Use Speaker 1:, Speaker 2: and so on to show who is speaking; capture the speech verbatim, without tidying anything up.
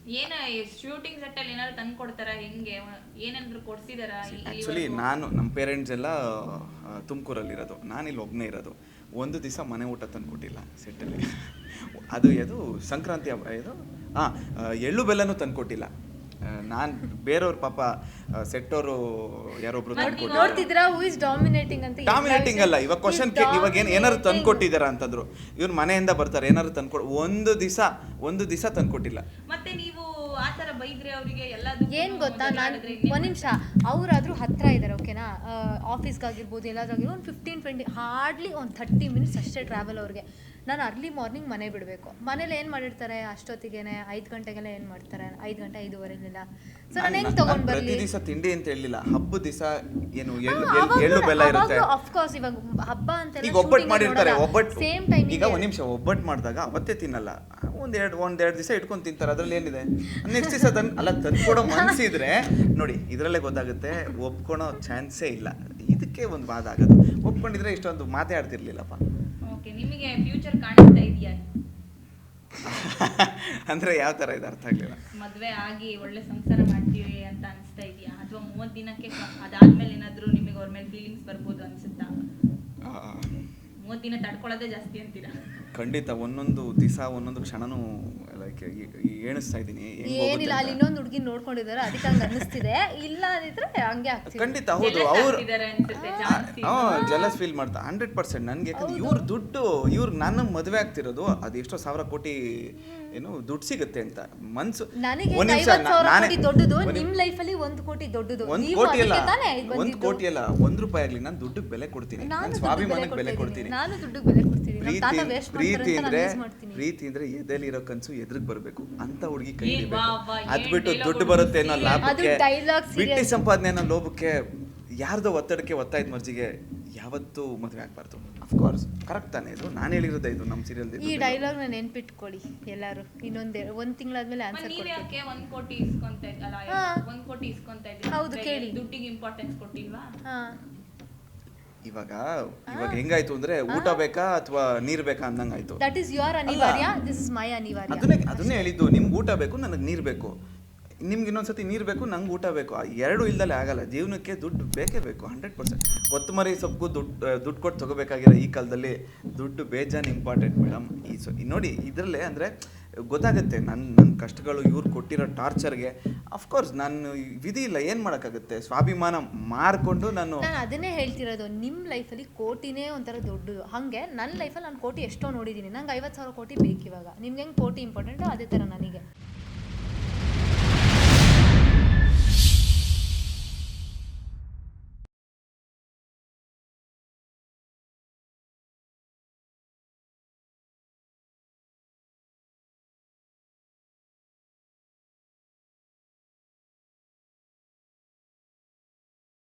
Speaker 1: ಏನ shooting set ಅಲ್ಲಿ ಏನಾದ್ರು ತಂದು ಕೊಡ್ತಾರ, ಹೆಂಗೆ ಏನಾದ್ರು ಕೊಡ್ಸಿದಾರ?
Speaker 2: ಆ್ಯಕ್ಚುಲಿ ನಾನು ನಮ್ಮ ಪೇರೆಂಟ್ಸ್ ಎಲ್ಲ ತುಮಕೂರಲ್ಲಿ ಇರೋದು, ನಾನು ಇಲ್ಲಿ ಒಬ್ಬನೇ ಇರೋದು. ಒಂದು ದಿವಸ ಮನೆ ಊಟ ತಂದು ಕೊಟ್ಟಿಲ್ಲ ಸೆಟ್ಟಲ್ಲಿ. ಅದು ಅದು ಸಂಕ್ರಾಂತಿ ಹಬ್ಬ ಇದು ಹಾಂ ಎಳ್ಳು ಬೆಲ್ಲನೂ ತಂದು ಕೊಟ್ಟಿಲ್ಲ. ನಾನು ಬೇರೆಯವ್ರ ಪಾಪ ಸೆಟ್ಟವರು ಯಾರೊಬ್ರು ತಂದ್ಕೊಟ್ಟಿದ್ರು.
Speaker 3: ನೋಡ್ತಿದ್ರಾ ಹೂ ಇಸ್ ಡಾಮಿನೇಟಿಂಗ್ ಅಂತ?
Speaker 2: ಡಾಮಿನೇಟಿಂಗ್ ಅಲ್ಲ, ಇವಾಗ ಕ್ವಶನ್ ಇವಾಗ ಏನು ಏನಾದ್ರು ತಂದ್ಕೊಟ್ಟಿದ್ದಾರಾ ಅಂತಂದ್ರು. ಇವ್ರು ಮನೆಯಿಂದ ಬರ್ತಾರೆ ಏನಾದ್ರು ತಂದ್ಕೊಡ್, ಒಂದು ದಿವಸ ಒಂದು ದಿವಸ ತಂದ್ಕೊಟ್ಟಿಲ್ಲ.
Speaker 1: ಮತ್ತೆ ನೀವು ಆ ತರ ಬೈದ್ರೆ ಅವರಿಗೆ ಎಲ್ಲದೂ
Speaker 3: ಏನ್ ಗೊತ್ತಾ, ನಾನು ಒಂದ್ ನಿಮಿಷ ಅವರಾದ್ರೂ ಹತ್ರ ಇದ್ದಾರೆ ಓಕೆನಾ, ಆಫೀಸ್ಗಾಗಿರ್ಬೋದು ಎಲ್ಲಾದ್ರಾಗಿರ್ಬೋದು ಒಂದು ಫಿಫ್ಟೀನ್ ಟ್ವೆಂಟಿ ಹಾರ್ಡ್ಲಿ ಒಂದು ಥರ್ಟಿ ಮಿನಿಟ್ಸ್ ಅಷ್ಟೇ ಟ್ರಾವೆಲ್ ಅವ್ರಿಗೆ. ನಾನು ಅರ್ಲಿ ಮಾರ್ನಿಂಗ್ ಮನೆ ಬಿಡಬೇಕು. ಮನೇಲಿ ಏನು ಮಾಡಿರ್ತಾರೆ ಅಷ್ಟೊತ್ತಿಗೆನೆ ಐದು ಗಂಟೆಗೆಲ್ಲ ಏನು ಮಾಡ್ತಾರೆ, ಐದು ಗಂಟೆ ಐದುವರೆಗೆಲ್ಲ. ಸೊ ನಾನು ಹೆಂಗೆ ತೊಗೊಂಡು ಬರಲಿ?
Speaker 2: ಪ್ರತಿ ದಿವಸ ತಿಂಡಿ ಅಂತ ಹೇಳಿಲ್ಲ, ಹಬ್ಬ ದಿವಸ ಏನು ಎಳ್ಳು ಎಳ್ಳು ಬೆಲ್ಲ ಇರುತ್ತೆ.
Speaker 3: ಆಫ್ಕೋರ್ಸ್ ಇವಾಗ ಹಬ್ಬ ಅಂತ
Speaker 2: ಈಗ ಒಬ್ಬಟ್ಟು ಮಾಡಿರ್ತಾರೆ, ಒಬ್ಬಟ್ಟು
Speaker 3: ಸೇಮ್ ಟೈಮ್.
Speaker 2: ಈಗ ಒಂದು ನಿಮಿಷ ಒಬ್ಬಟ್ಟು ಮಾಡಿದಾಗ ಅವತ್ತೇ ತಿನ್ನಲ್ಲ, ಒಂದೆರಡು ಒಂದೆರಡು ದಿವಸ ಇಟ್ಕೊಂಡು ತಿಂತಾರೆ. ಅದ್ರಲ್ಲಿ ಏನಿದೆ? ನೆಕ್ಸ್ಟ್ ದಿವಸ ತನ್ ಅಲ್ಲ ತಂದ್ಕೊಡೋ ಮನಸ್ಸಿದ್ರೆ ನೋಡಿ ಇದರಲ್ಲೇ ಗೊತ್ತಾಗುತ್ತೆ ಒಪ್ಕೊಳೋ ಚಾನ್ಸೇ ಇಲ್ಲ. ಇದಕ್ಕೆ ಒಂದು ವಾದ ಆಗೋದು. ಒಪ್ಕೊಂಡಿದ್ರೆ ಇಷ್ಟೊಂದು ಮಾತೇ ಆಡ್ತಿರ್ಲಿಲ್ಲಪ್ಪ.
Speaker 1: ಓಕೆ, ನಿಮಗೆ ಫ್ಯೂಚರ್ ಕಾಣಿಸ್ತಾ ಇದೆಯಾ?
Speaker 2: ಅಂದ್ರೆ ಯಾವ ತರ ಇದೆ ಅರ್ಥ ಆಗ್ಲಿಲ್ಲ.
Speaker 1: ಮದ್ವೆ ಆಗಿ ಒಳ್ಳೆ ಸಂಸಾರ ಮಾಡ್ತೀವಿ ಅಂತ ಅನಿಸ್ತಾ ಇದೆಯಾ, ಅಥವಾ ಮೂವತ್ತು ದಿನಕ್ಕೆ ಅದಾದ್ಮೇಲೆ ಏನಾದ್ರು ನಿಮಗೆ ಅವ್ರ ಮೇಲೆ ಫೀಲಿಂಗ್ಸ್ ಬರ್ಬೋದು ಅನ್ಸುತ್ತಾ? ಮೂವತ್ತು ದಿನ ತಡ್ಕೊಳ್ಳೋದೇ ಜಾಸ್ತಿ ಅಂತೀರಾ?
Speaker 2: ಖಂಡಿತ ಒಂದೊಂದು ದಿವಸ ಒಂದೊಂದು ಕ್ಷಣನೂ ಲೈಕ್ ಎಣಿಸ್ತಾ ಇದ್ದೀನಿ.
Speaker 3: ಏನಿಲ್ಲ, ಅಲ್ಲಿ ಇನ್ನೊಂದು ಹುಡುಗಿ ನೋಡ್ಕೊಂಡಿದ್ದಾರೆ ಅದಕ್ಕೆ ಹಂಗೆ ಅನ್ನಿಸ್ತಿದೆ. ಇಲ್ಲ ಅಂದಿದ್ರೆ ಹಂಗೆ ಆಗ್ತಿದೆ.
Speaker 2: ಖಂಡಿತ ಹೌದು, ಅವ್ರು ಜಲಸ್ ಫೀಲ್ ಮಾಡ್ತಾ ಹಂಡ್ರೆಡ್ ಪರ್ಸೆಂಟ್. ನನ್ಗೆ ಯಾಕಂದ್ರೆ ಇವ್ರ ದುಡ್ಡು ಇವ್ರು ನನ್ನ ಮದುವೆ ಆಗ್ತಿರೋದು ಅದು ಎಷ್ಟೋ ಸಾವಿರ ಕೋಟಿ ಏನು ದುಡ್ಡು ಸಿಗುತ್ತೆ ಅಂತ ಮನ್ಸು.
Speaker 3: ನನಗೆ ದೊಡ್ಡದು, ನಿಮ್ ಲೈಫ್ ಅಲ್ಲಿ ಒಂದು ಕೋಟಿ ದೊಡ್ಡದು.
Speaker 2: ಒಂದ್ ಕೋಟಿ ಅಲ್ಲ ಒಂದ್ ಕೋಟಿ ಅಲ್ಲ ಒಂದ್ ರೂಪಾಯಿ ಆಗ್ಲಿ ನಾನು ದುಡ್ಡಿಗೆ ಬೆಲೆ ಕೊಡ್ತೀನಿ, ನಾನು ಸ್ವಾಭಿಮಾನಕ್ಕೆ ಬೆಲೆ ಕೊಡ್ತೀನಿ.
Speaker 3: ನಾನು ದುಡ್ಡಿಗೆ ಬೆಲೆ ಕೊಡ್ತೀನಿ.
Speaker 2: ಪ್ರೀತಿ ಅಂದ್ರೆ ಪ್ರೀತಿ ಅಂದ್ರೆ ಎದೆಲಿ ಇರೋ ಕನ್ಸು ಎದುರಿಗೆ ಬರಬೇಕು ಅಂತ ಹುಡುಗಿ ಕೈ ಹಿಡಿಬೇಕು. ಅದ್ ಬಿಟ್ಟು ದುಡ್ಡು ಬರುತ್ತೆ ಅನ್ನೋ ಲಾಭಕ್ಕೆ, ಬಿಟ್ಟಿ ಸಂಪಾದನೆ ಅನ್ನೋ ಲೋಭಕ್ಕೆ, ಯಾರ್ದೋ ಒತ್ತಡಕ್ಕೆ ಒತ್ತಾಯದ ಮರ್ಜಿಗೆ ಯಾವತ್ತೂ ಮದುವೆ ಆಗ್ಬಾರ್ದು. ಅಫ್ಕೋರ್ಸ್ ಕರೆಕ್ಟ್ ತಾನೇ ಇದು, ನಾನು ಹೇಳಿರೋದೇ ಇದು ನಮ್ಮ ಸೀರಿಯಲ್.
Speaker 3: ಈ ಡೈಲಾಗ್ ನಾನು ನೆನ್ಪಿಟ್ಕೊಳ್ಳಿ ಎಲ್ಲರೂ. ಇನ್ನೊಂದೇ ಒಂದ್ ತಿಂಗಳಾದ್ಮೇಲೆ ಆನ್ಸರ್
Speaker 1: ಕೊಡ್ತೀನಿ. ಒಂದ್ ಕೋಟಿ ಇಸ್ಕೊಂತ ಇದ್ದಲ್ಲ, ಒಂದ್ ಕೋಟಿ ಇಸ್ಕೊಂತ ಇದ್ದೀವಿ.
Speaker 3: ಹೌದು ಕೇಳಿ,
Speaker 1: ದುಡ್ಡಿಗೆ ಇಂಪಾರ್ಟೆನ್ಸ್ ಕೊಟ್ಟಿಲ್ವಾ?
Speaker 2: ಇವಾಗ ಇವಾಗ ಹೆಂಗಾಯ್ತು ಅಂದ್ರೆ ಊಟ ಬೇಕಾ ಅಥವಾ ನೀರ್ ಬೇಕಾ ಅಂದಂಗಾಯ್ತು.
Speaker 3: ದಟ್ ಇಸ್ ಯುವರ್ ಅನಿವಾರ್ಯ, ದಿಸ್ ಇಸ್ ಮೈ ಅನಿವಾರ್ಯ.
Speaker 2: ಅದನ್ನೇ ಅದನ್ನೇ ಹೇಳಿದ್ದು, ನಿಮ್ಗೆ ಊಟ ಬೇಕು ನನಗೆ ನೀರ್ ಬೇಕು, ನಿಮ್ಗೆ ಇನ್ನೊಂದ್ಸತಿ ನೀರು ಬೇಕು ನಂಗೆ ಊಟ ಬೇಕು. ಎರಡು ಇಲ್ದಲ್ಲೇ ಆಗಲ್ಲ. ಜೀವನಕ್ಕೆ ದುಡ್ಡು ಬೇಕೇ ಬೇಕು ಹಂಡ್ರೆಡ್ ಪರ್ಸೆಂಟ್. ಕೊತ್ತಂಬರಿ ಸೊಪ್ಪು ದುಡ್ಡು ದುಡ್ಡು ಕೊಟ್ಟು ತೊಗೋಬೇಕಾಗಿರೋ ಈ ಕಾಲದಲ್ಲಿ ದುಡ್ಡು ಬೇಜಾನ್ ಇಂಪಾರ್ಟೆಂಟ್ ಮೇಡಮ್. ಈ ಸೊ ನೋಡಿ ಇದರಲ್ಲೇ ಅಂದರೆ ಗೊತ್ತಾಗುತ್ತೆ ನನ್ನ ನನ್ನ ಕಷ್ಟಗಳು, ಇವ್ರು ಕೊಟ್ಟಿರೋ ಟಾರ್ಚರ್ಗೆ ಅಫ್ಕೋರ್ಸ್ ನಾನು ವಿಧಿ ಇಲ್ಲ, ಏನು ಮಾಡೋಕ್ಕಾಗುತ್ತೆ. ಸ್ವಾಭಿಮಾನ ಮಾರ್ಕೊಂಡು ನಾನು
Speaker 3: ನಾನು ಅದನ್ನೇ ಹೇಳ್ತಿರೋದು. ನಿಮ್ಮ ಲೈಫಲ್ಲಿ ಕೋಟಿನೇ ಒಂಥರ ದೊಡ್ಡದು. ಹಾಗೆ ನನ್ನ ಲೈಫಲ್ಲಿ ನಾನು ಕೋಟಿ ಎಷ್ಟೋ ನೋಡಿದ್ದೀನಿ. ನಂಗೆ ಐವತ್ತು ಸಾವಿರ ಕೋಟಿ ಬೇಕು ಇವಾಗ. ನಿಮ್ಗೆ ಹೆಂಗೆ ಕೋಟಿ ಇಂಪಾರ್ಟೆಂಟು ಅದೇ ಥರ ನನಗೆ.